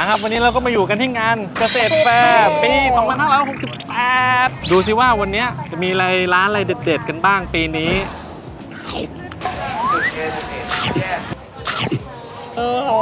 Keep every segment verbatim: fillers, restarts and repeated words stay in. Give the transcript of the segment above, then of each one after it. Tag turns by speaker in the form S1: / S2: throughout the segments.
S1: ครับวันนี้เราก็มาอยู่กันที่งานเกษตรแฟร์ปี สองพันห้าร้อยหกสิบแปด ดูสิว่าวันนี้จะมีอะไรร้านอะไรเด็ดๆกันบ้างปีนี้
S2: โอ้โห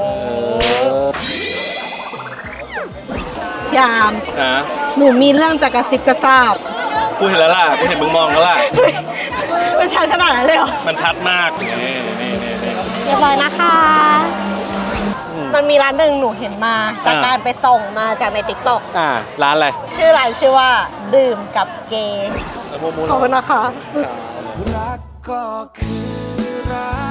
S2: ยามอ่ะหนูมีเรื่องจะกระซิบกระซาบ
S1: กูเห็นแล้วล่ะกูเห็นมึงมองแล้วล่ะ
S2: มันชัดขนาดนั้นเลยเหรอ
S1: มันชัดมากนี่นี่นี่
S2: เรียบร้อยนะคะมันมีร้านหนึ่งหนูเห็นมาจากการไปส่งมาจากในติ๊กต็อก
S1: อ่าร้านอะไร
S2: ชื่อร้านชื่อว่าดื่มกับเกย์ขอบคุณนะคะรักก็คือรัก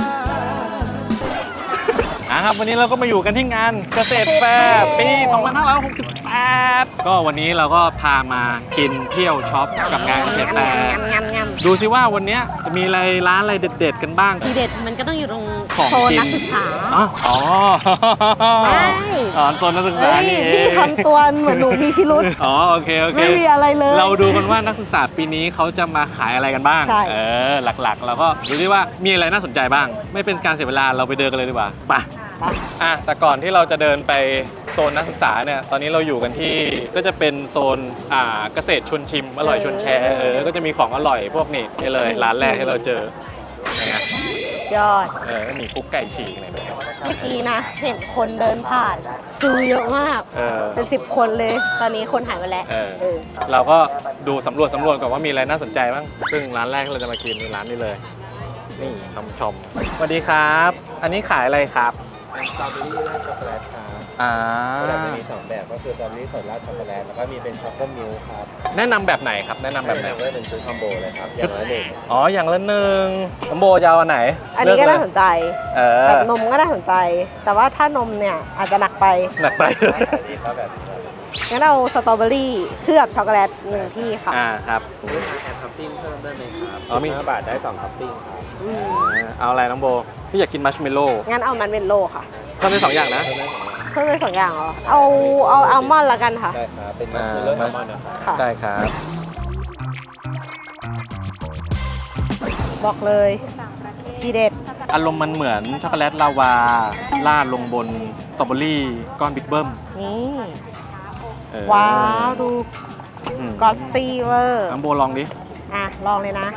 S1: ครับวันนี้เราก็มาอยู่กันที่งานเกษตรแฟร์ปี สองพันห้าร้อยหกสิบแปด ก็วันนี้เราก็พามากินเที่ยวช็อปกับงานเกษตรแฟร์ดูสิว่าวันนี้จะมีอะไรร้านอะไรเด็ดๆกันบ้าง
S2: ที่เด็ดมันก็ต้องอยู่ตรง
S1: โซน
S2: นักศึกษา
S1: อ๋อ
S2: ไม่
S1: อ๋อโซนนักศึกษานี่เอง
S2: พี่ทำตัวเหมือนหนูมีพิรุธ
S1: อ๋อโอเคโอเค
S2: ไม่มีอะไรเลย
S1: เราดูกันว่านักศึกษาปีนี้เขาจะมาขายอะไรกันบ้างเออหลักๆเราก็ดูดิว่ามีอะไรน่าสนใจบ้างไม่เป็นการเสียเวลาเราไปเดินกันเลยดีกว่าไปอ่ะแต่ก่อนที่เราจะเดินไปโซนนักศึกษาเนี่ยตอนนี้เราอยู่กันที่ก็จะเป็นโซนอ่าเกษตรชวนชิมอร่อยชวนแชร์เออก็จะมีของอร่อยพวกนี้นี่เลยร้านแรกที่เราเจอนะ
S2: ยอด
S1: เออมีคุกไก่ฉีกอะไรแบบนี้
S2: เมื่อกี้นะเห็นคนเดินผ่านจูเยอะมากเออเป็นสิบคนเลยตอนนี้คนหายไปแล้วเออ
S1: เราก็ดูสำรวจสำรวจก่อนว่ามีอะไรน่าสนใจบ้างซึ่งร้านแรกที่เราจะมากินในร้านนี้เลยนี่ชมชมสวัสดีครับอันนี้ขายอะไรครับ
S3: เป็นสตรอเบอรี่ราดช็อกโกแลตครับ
S1: อ่า
S3: แบบจะมีสองแบบก็คือสตรอเบอรี่สดราดช็อกโกแลตแล้วก็มีเป็นช็อกโกมิลค์ครับ
S1: แนะนำแบบไหนครับแนะนำแบบไหน
S3: ก็เป็นชุดคอมโบเลยครับอย่างละหนึ่ง
S1: อ๋ออย่างละหนึ่งคอมโบจะเอาอันไหน
S2: อันนี้ก็น่าสนใจแบบนมก็น่าสนใจแต่ว่าถ้านมเนี่ยอาจจะหนักไป
S1: หนักไป
S3: นี่ครับแบบ
S2: งั้นเอาสตรอเบอรี่เคลือบช็อกโกแลตหนึ่งที่ค่ะ
S1: อ่าครับ
S3: มีแอนท็อปปิ้งเพิ่มได้ไหมครับอ๋อมีห้าบาทได้สองท็อปปิ้งครับ
S1: เอาอะไรน้องโบพี่อยากกินมัชเมลโล่
S2: งั้นเอามันเมลโล่ค่ะ
S1: เพิ่มได้สองอย่างนะ
S2: เพิ่มได้สองอย่างเหรอเอาเอาอัลมอนด์ละกันค่ะ
S3: ได้ครับเป็นมัชเมลโล่อัลมอนด์นะครับ
S1: ได้ครับ
S2: บอกเลยทีเด็ด
S1: อารมณ์มันเหมือนช็อกโกแลตลาวาราดลงบนสตรอเบอรี่ก้อนบิ๊กเบิ้ม
S2: นี่ว้าวดูก็อตซี่เวอร์
S1: น้ำโบลองดิ
S2: อ่ะลองเลยนะ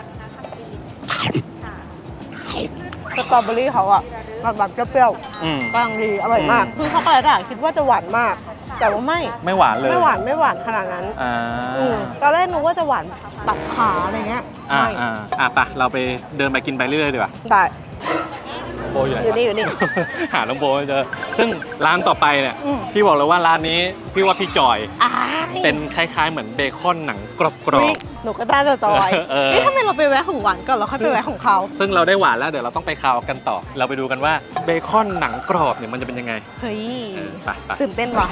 S2: สตรอเบอรี่เขาอะแบบเปรี้ยวๆกลางดีอร่อยมากคือช็อกโกแลตอะคิดว่าจะหวานมากแต่ว่าไม่
S1: ไม่หวานเลย
S2: ไม่หวานไม่หวานขนาดนั้นตอนแรกนึกว่าจะหวานตัดขาอะไรเงี้ย
S1: อ่าอ่าอ่ะไปเราไปเดินไปกินไปเรื่อยๆดีกว่า
S2: ได้
S1: โบอยู่ไหน
S2: อยู่นี่อยู่นี่
S1: หาน้องโบเจอซึ่งร้านต่อไปเนี่ยพี่บอกเลยว่าร้านนี้พี่ว่าพี่จอยเป็นคล้ายๆเหมือนเบคอนหนังกรอบ
S2: ๆหนูก็น่าจะจอยเอ๊ะทำไมเราไปแวะของหวานก่อนแล้วค่อยไปแวะของเขา
S1: ซึ่งเราได้หวานแล้วเดี๋ยวเราต้องไปคาวกันต่อเราไปดูกันว่าเบคอนหนังกรอบเนี่ยมันจะเป็นยังไง
S2: เฮ้ย
S1: ไปไป
S2: ตื่นเต้นว่ะ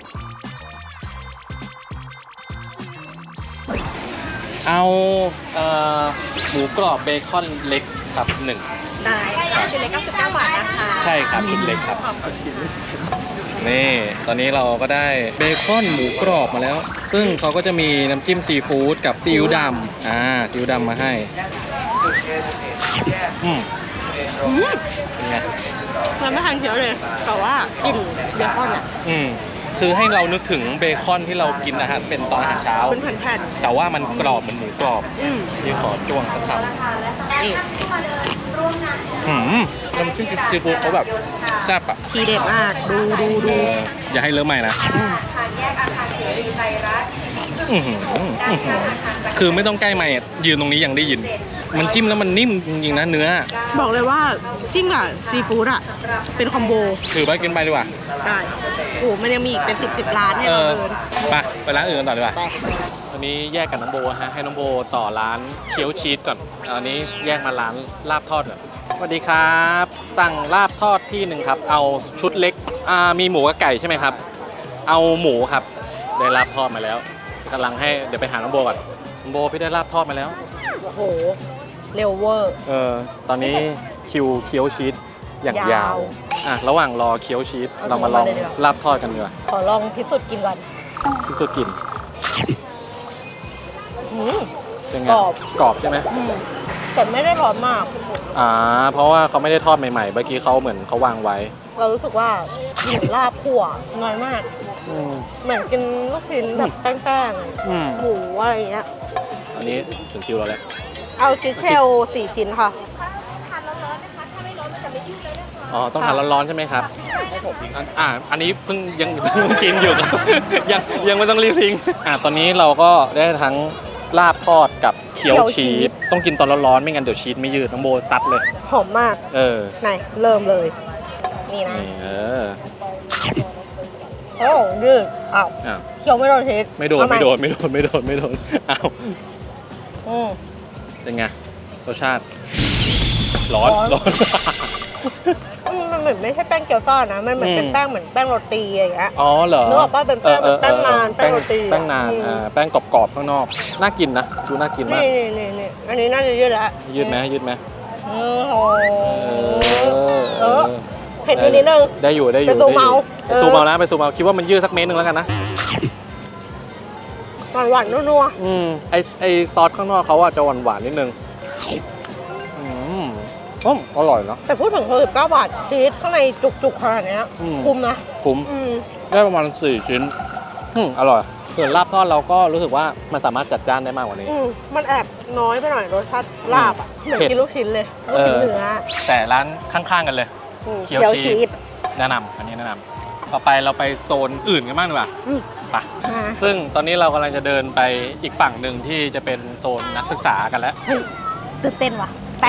S1: เอาหมูกรอบเบคอนเล็กครับหนึ่ง
S2: ได้ชุดเล็กเก้าสิบเก้าบาทนะคะ
S1: ใช่ครับชุดเล็กครับนี่ตอนนี้เราก็ได้เบคอนหมูกรอบมาแล้วซึ่งเขาก็จะมีน้ำจิ้มซีฟู้ดกับซีอิ๊วดำอ่าซีอิ๊วดำมาให้อืมเป็นไง
S2: เราไม่ทันเคี้ยวเลยแต่ว่ากลิ่นเบคอนอ่ะ
S1: อืมคือให้เรานึกถึงเบคอนที่เรากินนะฮะเป็นตอนอาหารเช้า
S2: เป็นแผ่น
S1: ๆแต่ว่ามันกรอบเหมือนหมูกรอบที่ขอจ้วงสักคำนี่หืมน้ำจิ้มซีฟู้ดเขาแบบแซ่บอ่ะ
S2: ทีเด็ดมากดูดูดู
S1: อย่าให้เลอะใหม่นะคือไม่ต้องใกล้ใหม่ยืนตรงนี้ยังได้ยินมันจิ้มแล้วมันนิ่มจริงๆนะเนื้อ
S2: บอกเลยว่าจิ้มกับซีฟู้ดอ่ะเป็นคอมโบ
S1: ถือไปกินไปดีกว่า
S2: ได้โอ้มันยังมีอีกเป็นสิบสิบร้านให้เราเดิน
S1: ไปไปร้านอื่นกันต่อดีกว่าตอนนี้แยกกับน้องโบฮะให้น้องโบต่อร้านเคี๊ยวชีสก่อนอันนี้แยกมาร้านลาบทอดก่อนสวัสดีครับสั่งลาบทอดที่หนึ่งครับเอาชุดเล็กอ่ามีหมูกับไก่ใช่ไหมครับเอาหมูครับได้ลาบทอดมาแล้วกำลังให้เดี๋ยวไปหาน้องโบก่อนน้องโบพี่ได้ลาบทอดมาแล้ว
S2: โอ้โหเร็วเวอร์
S1: เออตอนนี้คิวเคี๊ยวชีสอย่างยาวอ่ะระหว่างรอเคี้ยวชีสเรามาลองลาบทอดกันดีกว่า
S2: ขอลองพิสูจน์กินก่อน
S1: พิสูจน์กินเป็นไง
S2: กรอบ
S1: กรอบใช่ไหม
S2: แต่ไม่ได้ร้อนมาก
S1: อ่าเพราะว่าเขาไม่ได้ทอดใหม่ๆเมื่อกี้เขาเหมือนเขาวางไว้
S2: เรารู้สึกว่าหมูลาบคั่วน้อยมาก
S1: อืม
S2: เหมือนกินลูกชิ้นแบบแป้ง
S1: อืม
S2: ๆหมูอะไรอย่างเงี้ย
S1: อันนี้ถึงคิวเราแล้ว
S2: เอาชิสเชลสี่ชิ้นค่ะ
S1: อ๋อต้องทานร้อนๆใช่ไหมครับอันอ่าอันนี้เพิ่งยังเพิ่งกินอยู่ ยังยังไม่ต้องรีบทิ้งอ่าตอนนี้เราก็ได้ทั้งลาบทอดกับเกี๊ยว
S2: เกี๊ยวชี
S1: ชี
S2: ส
S1: สต้องกินตอนร้อนๆไม่งั้นเดี๋ยวชีสไม่ยืดน้องโบซัดเลย
S2: หอมมาก
S1: เออ
S2: ไหนเริ่มเลย นี่นะ
S1: นี่เออ
S2: โอ้ยืดอ้าว
S1: อ้าว
S2: เคี้ยวไม่โดนเทส
S1: ไม่โดน
S2: เอาให
S1: ไม่โดนไม่โดนไม่โดนไม่โดนอ้าว
S2: อืม
S1: เป็นไงรสชาติ ร้อน
S2: ร้อน
S1: ร้อน
S2: อืมมันเหมือนไม่ใช่แป้งเกี๊ยวซ่านะ มันเหมือนเป็น
S1: อืม
S2: แป้งเหมือนแป้งโรตีอะไรอย่างเงี้ย
S1: อ๋อเหรอ
S2: นึกออกป่ะเป็นแป้ง
S1: ออออ
S2: แป้งนาน
S1: เออ
S2: แป้งโรตีอะ
S1: แป้งนาน
S2: อืม
S1: อ่าแป้งกรอบๆข้างนอกน่ากินนะดูน่ากินมาก
S2: นี่นี่นี่นี่อันนี้น่าจะยืดแล้ว
S1: ยืดไหมยืดไหม
S2: โอ้โห
S1: เอ
S2: เอ
S1: อ
S2: อ เผ็ดนิดนึง
S1: ได้อยู่ได้อยู่
S2: ไปซูมเอา
S1: ไปซูมเอานะไปซูมเอาคิดว่ามันยืดสักเมตรหนึงแล้วกันนะ
S2: หวานหวานๆนัว
S1: อืมไอไอซอสข้างนอกเขาอะจะหวานหวานๆนิดนึงอืมอืมอร่อยเนาะ
S2: ๆแต่พูดถึงหกสิบเก้าบาทชีสข้างในจุกๆขนาดเนี้ย
S1: อืม
S2: คุ้มนะ
S1: คุ้ม
S2: อืม
S1: ได้ประมาณสี่ชิ้นอืมอร่อยส่วนลาบทอดเราก็รู้สึกว่ามันสามารถจัดจ้านได้มากกว่านี้
S2: อืมมันแอบน้อยไปหน่อยรสชาติลาบอ่ะเหมือน
S1: เผ็ด
S2: กินลูกชิ้นเลยลูกชิ้นเนื้อ
S1: แต่ร้านข้างๆกันเลย
S2: อืม
S1: เคี่ยว
S2: เคี่ยว
S1: ชี
S2: ชี
S1: ส
S2: ส
S1: แนะนำอันนี้แนะนำต่อไปเราไปโซนอื่นกันบ้างดีกว่า
S2: อืม
S1: ไป
S2: มา
S1: ซึ่งตอนนี้เรากำลังจะเดินไปอีกฝั่งหนึ่งที่จะเป็นโซนนักศึกษากันแล้ว
S2: เฮ้ยตื่นเต้นว่ะไป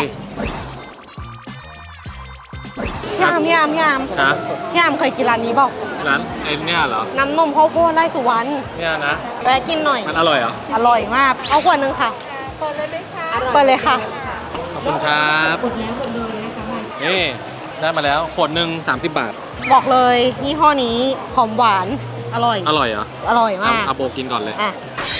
S2: ยามยามยาม
S1: ฮะ
S2: ยามเคยกินร้านนี้เปล่า
S1: ร้านไอ้เนี่ยเหรอ
S2: น้ำนมข้าวโพดไร่สุวรรณ
S1: เนี่ยนะ
S2: แวะกินหน่อย
S1: มันอร่อยเหรอ
S2: อร่อยมาก เอาขวดหนึงค่ะเปิดเลยไหมคะเปิดเลยค่ะ
S1: ขอบคุณครับนี่ได้มาแล้วขวดหนึ่งสามสิบบาท
S2: บอกเลยยี่ห้อนี้หอมหวาน อร่อย
S1: อร่อยเหรอ
S2: อร่อย
S1: เอา
S2: มาก
S1: เอาโบกินก่อนเลย
S2: อ่ะ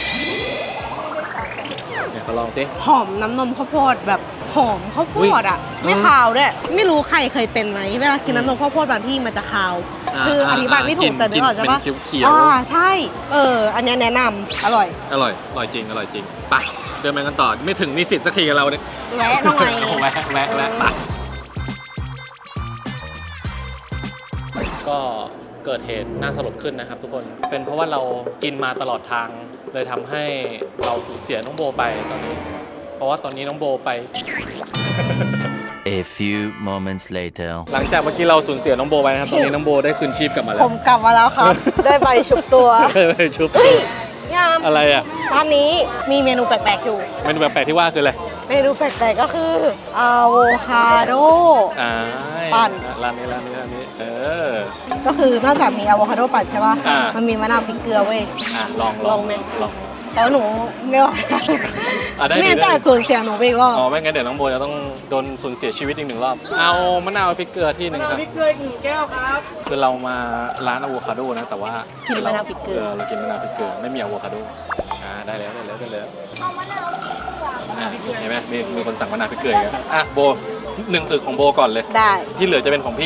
S1: เนี่ยเขาลองสิ
S2: หอมน้ำนมข้าวโพดแบบหอมข้าวโพ
S1: อุ๊ย
S2: ดอ่ะ ไม่คาวด้วย ไม่รู้ใครเคยเป็นไหมเวลากินน้ำนมข้าวโพดบางที่มันจะคาว
S1: า
S2: คืออธิบายไม่ถูกแต่นึกออกใช่ปะ
S1: เป็นเขียวๆ
S2: อ่าใช่ เออ อันเนี้ยแนะนำอร่อย
S1: อร่อย อร่อยจริง อร่อยจริงไปเดินไปกันต่อ ไม่ถึงนิสิตสักทีกับเราเนี่ย
S2: แวะหน่อย
S1: แวะแวะแวะไปก็เกิดเหตุน่าสลดขึ้นนะครับทุกคน เป็นเพราะว่าเรากินมาตลอดทาง เลยทำให้เราสูญเสียน้องโบไปตอนนี้ เพราะว่าตอนนี้น้องโบไป
S4: A few moments later.
S1: หลังจากเมื่อกี้เราสูญเสียน้องโบไปนะครับ ตอนนี้น้องโบได้คืนชีพกลับมาแล้
S2: ผ
S1: ว
S2: มกลับมาแล้วครับ ได้ใบชุบตัว
S1: ไปชุบ
S2: เฮ้ยยาม
S1: อะไรอ่ะ
S2: ร้านนี้มีเมนูแปลกๆอยู่
S1: เมนูแปลกๆที่ว่าคืออะไร
S2: เมนูแปลกๆก็คืออะโวคาโด
S1: อ่า
S2: ปั่น
S1: ร้านนี้ร้านนี้ร้านนี้ เออ
S2: ก็คือนอกจากมีอะโวคาโดปั่นใช่ป่ะ
S1: อ่ามั
S2: มันมีมะนาวพริกเกลือเว้ย
S1: อ่ะลองล
S2: ล
S1: อ
S2: อง งไหม
S1: ลอง
S2: แต่ว่าหนูไม่ไหว
S1: อ่ะได้ดิ
S2: ไม่งั้น
S1: ได้
S2: จะ
S1: ดิ
S2: สูญเสียหนูไปอีกรอบ
S1: อ๋อไม่งั้นเดี๋ยวน้องโบจะต้องโดนสูญเสียชีวิตอีกหนึ่งรอบ เอามะนาวพริกเกลือที่หนึ่งครับ
S3: พริกเกลืออีกหนึ่งแก้วครับ
S1: คือเรามาร้านอะโวคาโดนะ แต่ว่า
S2: กินมะนาวพริกเกลือ
S1: เรากินมะนาวพริกเกลือไม่มีอะโวคาโดอ่าได้แล้วได้แล้วได้แล้วอ่ะเห็นไหมมีมีคนสั่งมะนาวพริกเกลืออีกแล้วอ่ะโบหนึ่งตึกของโบก่อนเลย
S2: ได้
S1: ที่เหลือจะเป็นของพี่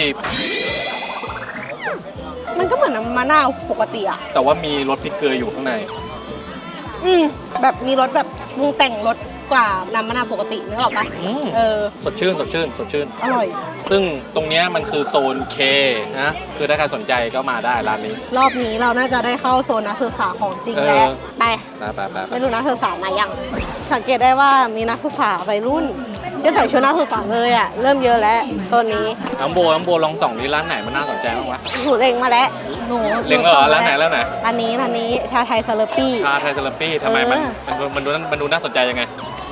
S2: มันก็เหมือนน้ำมะนาวปกติอ่ะ
S1: แต่ว่ามีรสพริกเกลืออยู่ข้างใน
S2: อืมแบบมีรสแบบปรุงแต่งรสกว่าน้ำมะนาวปกตินึกออกปะ
S1: อืม
S2: เออ
S1: สดชื่นสดชื่นสดชื่น
S2: อร่อย
S1: ซึ่งตรงเนี้ยมันคือโซน K นะคือถ้าใครสนใจก็มาได้ร้านนี้
S2: รอบนี้เราน่าจะได้เข้าโซนนักศึกษาของจริงแล้ว
S1: เออ
S2: ไป
S1: ไปไปไปไป
S2: ไม่รู้นักศึกษามายังสังเกตได้ว่ามีนักศึกษาวัยรุ่นที่ใส่ชุดนักศึกษาเลยอ่ะเริ่มเยอะแล้วโซนนี้
S1: น้องโบน้องโบลองส่องที่ร้านไหนมันน่าสนใจบ้างวะ
S2: หนูเล็งมาแล้วหนู
S1: เล็งแล้วเหรอร้านไหนร้านไหน
S2: ร้านนี้ร้านนี้ชาไทยซาลาปี้
S1: ชาไทยเซราปี้ทำไมมัน
S2: เออ
S1: มันดูมันดูมันดูน่าสนใจยังไง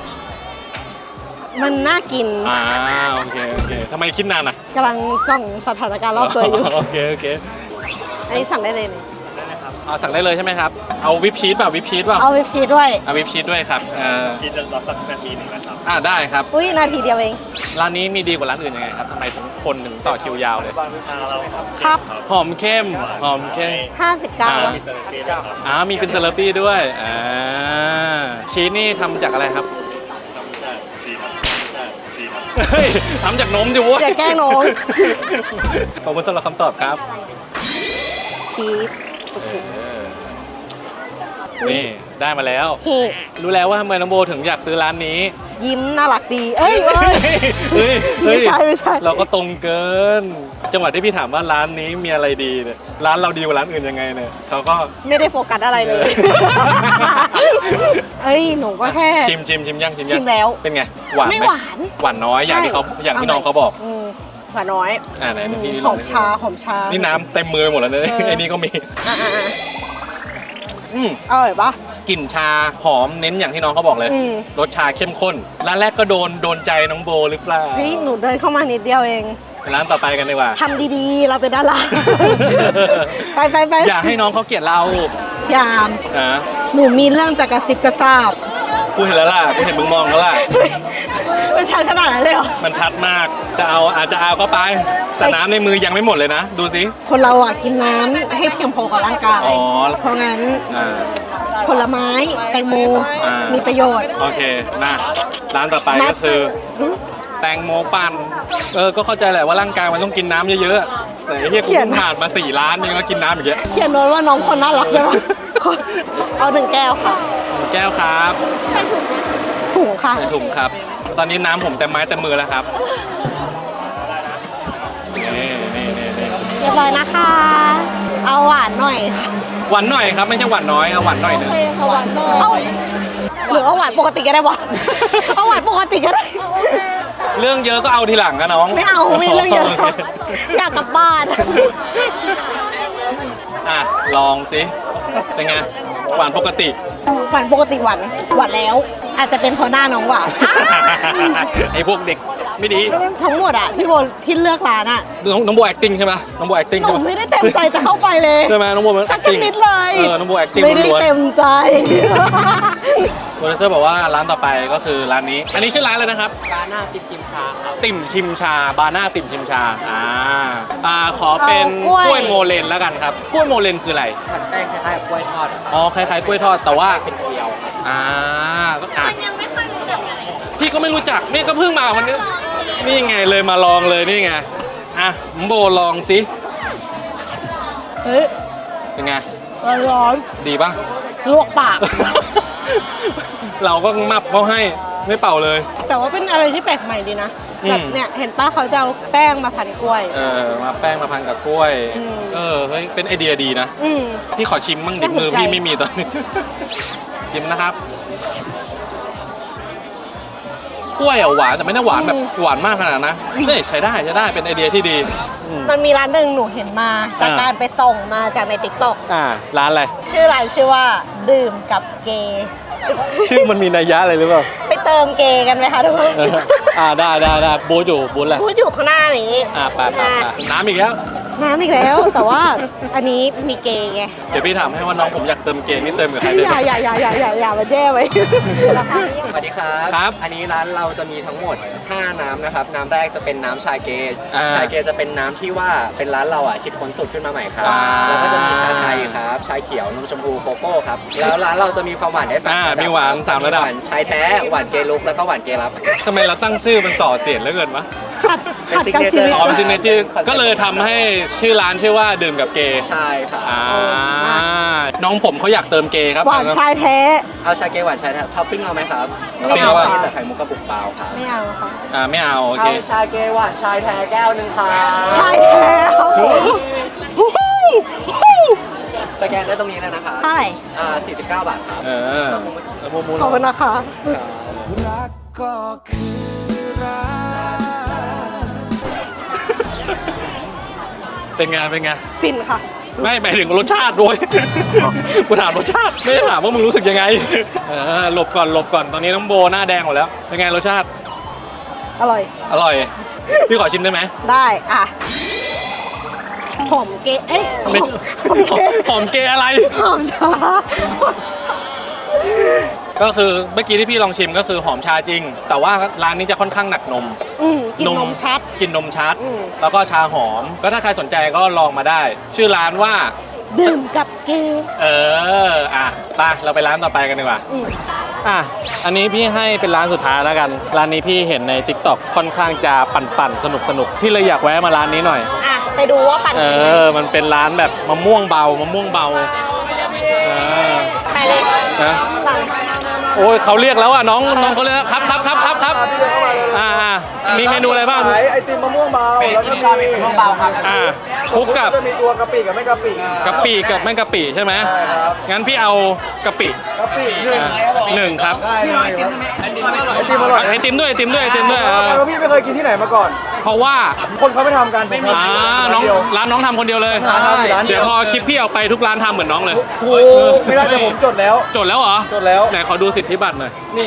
S2: มันน่ากิน
S1: อ่าโอเคโอเคทำไมคิดนานอ่ะ
S2: กำลังส่องสถานการณ์รอบตัวอยู่
S1: โอเคโอเค
S2: อันนี้สั่งได้เลยนี่
S1: เอาสั่งได้เลยใช่ไหมครับเอาวิปชีสเปล่าวิปชีสเปล่า
S2: เอาวิปชีสด้วย
S1: เอาวิปชีสด้วยครับอ่า
S3: กินจนรอสักนาทีหนึ่งนะครับ
S1: อ่าได้ครับ
S2: อุ้ยนาทีเดียวเอง
S1: ร้านนี้มีดีกว่าร้านอื่นยังไงครับทำไมถึงคนถึงต่อคิวยาวเลย
S3: บ้านทางเราครับ
S2: ครับ
S1: หอมเข้มหอมเข้ม
S2: ห้าสิบเก้า
S1: อ่า
S3: มีเซอร์ตี้ด้วยครับ
S1: อ่ามีเป็นเซเลปี้ด้วยอ่าชีสนี่ทำจากอะไรครับ
S3: ทำจากชีสครับทำจากชีสครับ
S1: เฮ้ยทำจากนมดิเว้ย
S2: อย่าแกล้งน้อง
S1: ขอบคุณสำหรับคำตอบครับ
S2: ชีส
S1: นี่ได้มาแล้ว
S2: เฮ้
S1: รู้แล้วว่าทำไมน้องโบถึงอยากซื้อร้านนี้
S2: ยิ้มน่ารักดี เอ้ยเอ้ย
S1: เฮ้ยเฮ้
S2: ไม่
S1: ย
S2: ใช่ไม่ใช่
S1: เราก็ตรงเกิน จังหวะที่พี่ถามว่าร้านนี้มีอะไรดีเนี่ยร้านเราดีกว่าร้านอื่นยังไงเนี่ยเขาก็
S2: ไม่ได้โฟกัสอะไรเลย เอ้ยหนูก็แค่
S1: ชิมชิมชิมยังชิมยัง
S2: ชิมแล้ว
S1: เป็นไงหวาน
S2: ไม่
S1: ไหม
S2: หวาน
S1: หวานน้อยอย่างที่เขาอย่างที่น้องเขาบอก
S2: อืมหวานน้อย
S1: อ่าไหน
S2: อืม
S1: พี่
S2: ห
S1: ล
S2: อ
S1: อง
S2: ม
S1: ดิ
S2: ชาหอมชา
S1: นี่น้ำเต็มมือหมดแล้วเนี่ย
S2: เออ
S1: ไอ้นี่ก็มี
S2: อ่ะอ่ะอ่ะ
S1: อืม
S2: อร่อยปะ
S1: กลิ่นชาหอมเน้นอย่างที่น้องเขาบอกเลย
S2: อืม
S1: รสชาเข้มข้นร้านแรกก็โดนโดนใจน้องโบหรือเปล่า
S2: เฮ้ยหนูเดินเข้ามานิดเดียวเอง
S1: ร้านต่อไปกันดีกว่า
S2: ทำดีๆ เราเป็นดารา ไปไปไป
S1: อย่าให้น้องเขาเกลียดเรา
S2: ยาม
S1: นะ
S2: หนูมีเรื่องจะกระซิบกระซาบ
S1: กูเห็นแล้วล่ะกูเห็นมึงมองแล้วล่ะ
S2: ไม่ใช่ขนาดนั้นเลยเหรอ
S1: มันชัดมากจะเอาอาจจะเอาก็ไป แต่น้ำในมือยังไม่หมดเลยนะ ดูสิ
S2: คนเราอ่ะกินน้ำให้เพียงพอกับร่างกาย
S1: อ๋อ
S2: เพราะงั้น
S1: อ่า
S2: ผลไม้แตงโม
S1: อ่ามี
S2: มีประโยชน์
S1: โอเคนะร้านต่อไปก็คือ แตงโมปั่นเออก็เข้าใจแหละว่าร่างกายมันต้องกินน้ำเยอะๆแต่ไอ้เหี้ยกูเพิ่งผ่านมาสี่ร้านยังก็กินน้ำอีกเยอะ
S2: เขียนโน้ตว่าน้องคนน่ารักด้วยวะเอาหนึ่งแก้วค่ะ
S1: แก้วครับ
S2: ถุงค่ะ
S1: ใส่ถุงครับ ตอนนี้น้ำผมเต็มไม้เต็มมือแล้วครับนี่นี่นี่นี่
S2: เรียบร้อยนะคะ เอาหวานหน่อยค่ะ
S1: หวานหน่อยครับไม่ใช่หวานน้อยเอาหวานหน่อยหนึง
S2: เอาหวานหน่อยเอาหรือเอาหวานปกติก็ได้วะเอาหวานปกติก็ได้
S1: เรื่องเยอะก็เอาทีหลังนะน้อง
S2: ไม่เอาไม่เรื่องเยอะอยากกลับบ้าน
S1: อ่ะลองสิเป็นไงหวานปกติ
S2: หวานปกติหวานหวานแล้ว อาจจะเป็นเพราะหน้าน้องหวาน
S1: ไอ้พวกเด็กไม่ดี
S2: ทั้งหมดอ่ะพี่โบที่เลือกร้านอ่ะ
S1: น้องน้องโบ acting ใช่ไหมน้องโบ acting
S2: หนู
S1: ใช่ไหม
S2: ไม่ได้เต็มใจจะเข้าไปเลย
S1: ใช่ไหมน้องโบมัน
S2: สัก
S1: acting
S2: นิดเลย
S1: เออน้องโบ acting
S2: ไม่ได้
S1: ล้วน
S2: เต็มใจ
S1: ๆโปรดิวเซอร์บอกว่าร้านต่อไปก็คือร้านนี้ อันนี้ชื่อร้านเลยนะครับ
S3: ร้านหน้าจิ๊บจิมชาครับ
S1: ติ่มชิมชาบาน่าติ่มชิมชาอ่าอ่าขอเป็น
S2: เอากล้วย
S1: กล้วยโมเลนแล้วกันครับกล้วยโมเลนคืออะไร
S3: ผัดแป้งคล้ายๆกับกล้วยทอดครับ
S1: อ๋อคล้ายๆกล้วยทอดแต่ว่า
S3: เป็นเกลียวครับ
S1: อ่าก็อ่ะพี่ก็ไม่รู้จักนี่ก็เพิ่งมาวันนี้นี่ไงเลยมาลองเลยนี่ไงอ่ะโบลองสิ
S2: เฮ้ย
S1: เป็นไง
S2: ร้อน
S1: ดีปะ
S2: ๆลวกปาก
S1: เราก็มับเขาให้ไม่เป่าเลย
S2: แต่ว่าเป็นอะไรที่แปลกใหม่ดีนะ
S1: อืม
S2: แบบเนี่ยเห็นป้าเขาจะเอาแป้งมาพันกล้วย
S1: เออมาแป้งมาพันกับกล้วย
S2: อืม
S1: เออเฮ้ยเป็นไอเดียดีนะ
S2: อืม
S1: พี่ขอชิมมั่งดิ
S2: น่าสนใจ
S1: มือพี่ไม่มีตอนนี้ ชิมนะครับ กล้วยอ่ะหวานแต่ไม่ได้หวานแบบหวานมากขนาดนั้นนะเฮ้ยใช้ได้ใช้ได้เป็นไอเดียที่ดีอืม
S2: มันมีร้านหนึ่งหนูเห็นมาจาก
S1: อ่า
S2: การไปส่องมาจากในติ๊กต็อก
S1: อ่าร้านอะไร
S2: ชื่อร้านชื่อว่าดื่มกับเกย์
S1: ชื่อมันมีนัยยะอะไรหรือเปล่า
S2: ไปเติมเกย์กันไหมคะทุกคน
S1: เอออ่าได้ได้ได้บูจูบูนแหละ
S2: พูดอยู่ข้างหน้านี้
S1: อ่าไปไปไปน้ำอีกแล้ว
S2: น้ำอีกแล้ว แต่ว่าอันนี้มีเกย์ไง
S1: เดี๋ยวพี่ถามให้ว่าน้องผมอยากเติมเกมนี่เติมกับใคร
S2: อ
S1: ได้
S2: ย่าอย่าอย่าอย่าอย่าอย่ามาแย่ไว้
S3: สวัสดีครับ
S1: ครับ
S3: อันนี้ร้านเราจะมีทั้งหมดห้าน้ำนะครับ น้ำแรกจะเป็นน้ำชาเก
S1: อ่า
S3: ชาเกจะเป็นน้ำที่ว่าเป็นร้านเราอ่ะคิดค้นสูตรขึ้นมาใหม่ครับ
S1: อ่า
S3: แล้วก็จะมีชาไทยครับ ชาเขียว นมชมพูโกโก้ครับ แล้วร้านเราจะมีความหวานได้สาม
S1: อ่า
S3: ระดับ
S1: มีหวานสามระดับ
S3: หวานชายแท้ หวานเกลุก แล้วก็หวานเกลับ
S1: ทำไมเราตั้งชื่อมันส่อเสียดเหลือเกินวะ
S2: ขัดขัดกับชีวิต
S1: อ๋อเป็นซิกเนเจอร์ก็เลยทำให้ชื่อร้านชื่อว่าดื่มกับเกย์
S3: ใช่ครับ
S1: อ่าน้องผมเขาอยากเติมเกย์ครับ
S2: หวานชายแท้
S3: เอาชาเกหวานชายแท้ท็อปปิ้งเอาไหมครับ
S2: ไม่เอา
S3: ท็ปปิ้งใส่ไข่มุกกระปุกเปล่าครับ
S2: ไม่เอาค่ะ
S1: อ่าไม่เอาโอเค
S3: เอาชาเกหวานชายแท้แก้วหนึ่งครับ
S2: ชายแท้ครับผม
S3: สแกนได้ตรงนี้เลยนะครับ
S2: เท่าไหร่
S3: อ่าสี่สิบเก้าบาทครับ
S1: เออแล้วพวกมู
S2: ขอบคุณนะคะ
S1: เป็นไงเป็นไง
S2: ฟินค่ะ
S1: ไม่หมายถึงรสชาติด้วย กูถามรสชาติไม่ได้ถามว่ามึงรู้สึกยังไงเออหลบก่อนหลบก่อนตอนนี้น้องโบหน้าแดงหมดแล้วเป็นไงรสชาติ
S2: อร่อย
S1: อร่อยพี่ขอชิมได้ไหม
S2: ได้อ่ะหอมเกย์เอ้ย
S1: ไม่
S2: หอมเกย์
S1: หอมเกย์อะไร
S2: หอมชา
S1: ก็คือเมื่อกี้ที่พี่ลองชิมก็คือหอมชาจริง แต่ว่าร้านนี้จะค่อนข้างหนักนม
S2: อืมกินนมชัด
S1: กินนมชัด
S2: อืม
S1: แล้วก็ชาหอม ก็ถ้าใครสนใจก็ลองมาได้ ชื่อร้านว่า
S2: ดื่มกับเกย์
S1: เออ อ่ะไปเราไปร้านต่อไปกันดีกว่า
S2: อืม
S1: อ่ะ อันนี้พี่ให้เป็นร้านสุดท้ายแล้วกัน ร้านนี้พี่เห็นใน ติ๊กต็อก ค่อนข้างจะปั่นๆ สนุกๆ พี่เลยอยากแวะมาร้านนี้หน่อย
S2: อ่ะ ไปดูว่าปั่น
S1: เออ มันเป็นร้านแบบมะม่วงเบามะม่วงเบาเออ
S2: ไปเลย
S1: นะ
S2: สั่ง
S1: โอ้ยเขาเรียกแล้วอ่ะน้องน้องเขาเรียกแล้วครับครับครับครับครับอ่าอ่ามีเมนูอะไรบ้าง
S3: ขายไอติมมะม่วงเบาแล้วก็มีมะม่วงเบาครับ
S1: อ่าคลุกกับ
S3: จะมีตัวกะปิกับไม่กะปิ
S1: กะปิกับไม่กะปิใช่ไหม
S3: ใช่ครับ
S1: งั้นพี่เอากะปิ
S3: กะปิหนึ่ง
S1: อ่าหนึ่งครับ
S3: ได้เลยครับไอติมอร่อย
S1: ไอติมด้วยไอติมด้วยไอติมด้วยเออ
S3: เพราะพี่ไม่เคยกินที่ไหนมาก่อน
S1: เพราะว่า
S3: คนเขาไม่ทำกันผมทำ
S1: อ่าน้องร้านน้องทำคนเดียวเลย
S3: ร้านทำอยู่ร้านเดียว
S1: เดี๋ยวพอคลิปพี่เอาไปทุกร้านทำเหมือนน้องเลย
S3: ถูกไม่ได้แต่ผมจดแล้ว
S1: จดแล้วเหรอ
S3: จดแล้ว
S1: ไหนขอดูสิทธิบัตรหน่อย
S3: นี่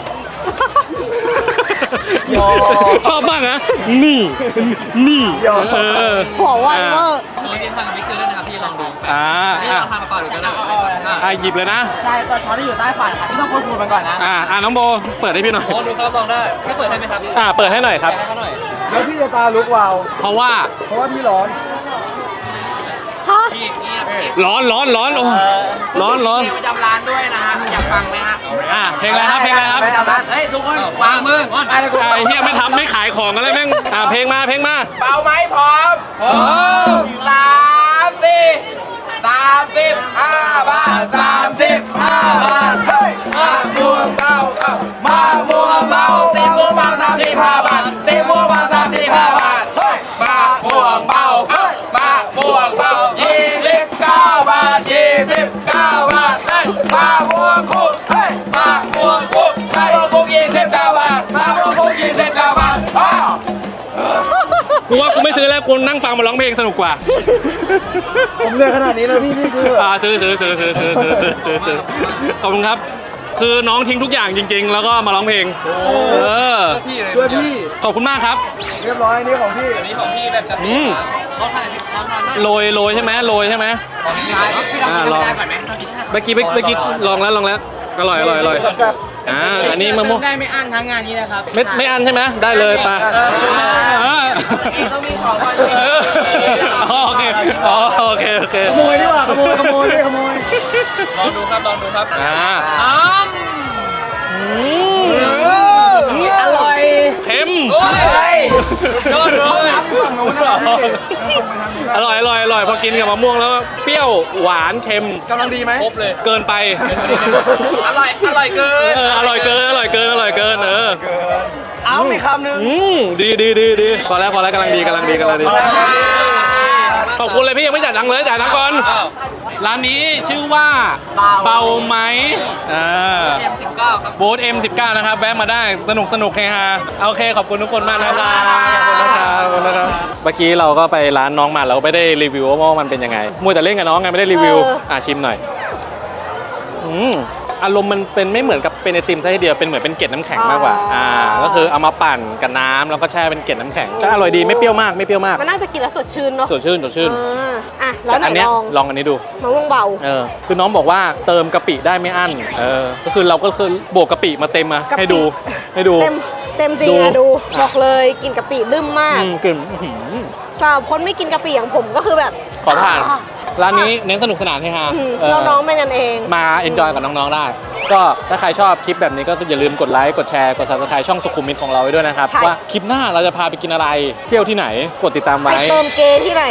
S1: ยอชอบมากนะนี่นี่
S3: ยอ
S1: เออ
S2: หัวไวเวอร์
S5: ตัวที่ทางมิกซ์ด้วยนะครับพี่ลองดู
S1: อ่า
S5: นี่
S1: อ่ะ
S5: เราทำมาก่อนหรือจะได้
S1: อ่ะหยิบเลยนะ
S5: ใช่ตัวช้อนที่อยู่ใต้ฝาครับพี่ต้องคนคูณมันก่อนนะ
S1: อ่าอ่าน้องโบเปิดให้พี่หน่อย
S5: โอ้ดูครับลองได้ให้เปิดให้ไหมครับพี่
S1: อ่าเปิดให้หน่อยครับ
S5: ให้เขาหน่อย
S3: แล้วพี่จะตาลุกวาว
S1: เพราะว่า
S3: เพราะว่าพี่ร้อน
S2: ฮะ
S5: พี่เงียบพี่
S1: ร้อนร้อนร้อนโอ้ร้อนร้อน
S5: เพลงประจำร้านด้วยนะฮะอยากฟังไหมฮะ
S1: อ่าเพลงอะไรครับเพลงอะไรครับ
S5: ประจำร้านเฮ้ยทุกคนวางมือไปเลย
S1: ไอ้เฮียไม่ทำไม่ขายของกันเลยแม่งอ่าเพลงมาเพลงมา
S5: เบาไหมพร้อมพร้อมสามสี่สามสิบห้าบาทสามสิบห้าบาทเฮ้ยมาบัวเบาเอ้ามาบัวเบาตีบัวเบาสามสิบห้าบาทตีบัวเบาสามสิบห้าบาทเฮ้ยมาบัวเบาเฮ้ยมาบัวเบายี่สิบเก้าบาทยี่สิบเก้าบาทเฮ้ยมาบัวคุกเฮ้ยมาบัวคุกมาบัวคุกยี่สิบเก้าบาทมาบัวคุกยี่สิบเก้าบาทอ้าว
S1: กูว่ากูไม่ซื้อแล้วกูนั่งฟังมาร้องเพลงสนุกกว่า
S3: ผมเหนื่อยขนาดนี้แล้วพี่พี่ซื้อเหรอ
S1: อ่าซื้อซื้อซื้อซื้อซื้อซื้อซื้อซื้อซื้อขอบคุณครับ คือน้องทิ้งทุกอย่างจริง ๆ แล้วก็มาร้องเพลงเออ
S5: พี่เลย
S3: ด้วยพี่
S1: ขอบคุณมากครับ
S3: เรียบร้อยนี่ของพี่
S5: อันนี้ของพี่แบบจัด
S1: อืม
S5: เขาทานน้ำทานได้
S1: โรยโรยใช่ไหมโรยใช่ไหม
S5: ของพี่ได้พี่ลองกินได้ก่อนไหม
S1: เมื่อกี้เมื่อกี้ลองแล้วลองแล้วอร่อยอร่อยอร่อย
S3: แซ่บ
S1: อ่าอันนี้มะม่วง
S5: ได้ไม่อั้นทั้งงานนี้นะครับ
S1: ไม่ไม่อันใช่ไหมได้เลยไปเออ
S5: ต้องมีของก่อน
S1: เอออ๋อโอเคอ๋อโอเคโอเค
S3: ขโมยดีกว่าขโมยขโมยไม่ขโมย
S5: ลองดูครับลองดูครับ
S1: อ่า
S5: อ้
S1: อืม
S5: ำอร่อย
S1: เค็ม
S5: โอ้ยยอดเลย
S3: ฝั่งโน้นนะพี่
S1: อร่อยอร่อยอร่อยพอกินกับมะม่วงแล้วเปรี้ยวหวานเค็ม
S3: กำลังดีไหม
S5: ครบเลย
S1: เกินไป
S5: อร่อยอร่อยเกิน
S1: เอออร่อยเกินอร่อยเกินอร่อยเกินเออ
S3: เอามีคำหนึ่ง
S1: อืมดีดีดีดีพอแล้วพอแล้วกำลังดีกำลังดีกำลังดีขอบคุณเลยพี่ยังไม่จ่ายตังค์เลยจ่ายตังค์ก่อนร้านนี้ชื่อว่าเบาไหมอ่า
S5: เอ็มสิบเก้าครับ
S1: บูธ เอ็ม สิบเก้า นะครับแวะมาได้สนุกสนุกเฮฮาโอเคขอบคุณทุกคนมากนะครับขอบคุณนะครับขอบคุณนะครับเมื่อกี้เราก็ไปร้านน้องมาเราก็ไม่ได้รีวิวว่ามันเป็นยังไงมัวแต่เล่นกับน้องไงไม่ได้รีวิวอ่ะชิมหน่อยอืมอารมณ์มันเป็นไม่เหมือนกับเป็นไอติมซะทีเดียวเป็นเหมือนเป็นเกล็ดน้ำแข็งมากกว่าอ่าก็คือเอามาปั่นกับน้ำแล้วก็แช่เป็นเกล็ดน้ำแข็งก็อร่อยดีไม่เปรี้ยวมากไม่เปรี้ยวมาก
S2: มันน่าจะกินแล้วสดชื่นเนาะ
S1: สดชื่นสดชื่น
S2: อ่าอ่ะแล้วไหน
S1: อันเนี้ย
S2: ลอง
S1: ลองอันนี้ดู
S2: มะม่วงเบา
S1: เออคือน้องบอกว่าเติมกะปิได้ไม่อั้นเออก็คือเราก็คือบวกกะปิมาเต็มมาก
S2: ะปิ
S1: ให้ดูให้ดู
S2: เต็มเต็มจริง
S1: ดู
S2: อะดูบอกเลยกินกะปิลืมมาก
S1: อืมกลิ่นอื้อหือ
S2: สำหรับคนไม่กินกะปิอย่างผมก็คือแบบ
S1: ขอผ่านร้านนี้เน้นสนุกสนานเฮฮา
S2: อืม
S1: เออ
S2: น้องๆไม่นั่นเอง
S1: มาเอนจอยกับน้องๆได้ ก็ถ้าใครชอบคลิปแบบนี้ก็อย่าลืมกดไลค์กดแชร์กด ซับสไครบ์ ช่องสุขุมวิทของเราไว้ด้วยนะครับ
S2: ใช่
S1: ว่าคลิปหน้าเราจะพาไปกินอะไร เที่ยวที่ไหนกดติดตาม
S2: ไป
S1: ไว้
S2: เติมเกย์ที่ไหน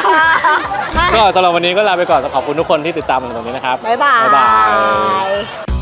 S1: ก็สำหรับวันนี้ก็ลาไปก่อนขอบคุณทุกคนที่ติดตามมาตรงนี้นะครับ
S2: บ๊ายบาย
S1: บ๊ายบาย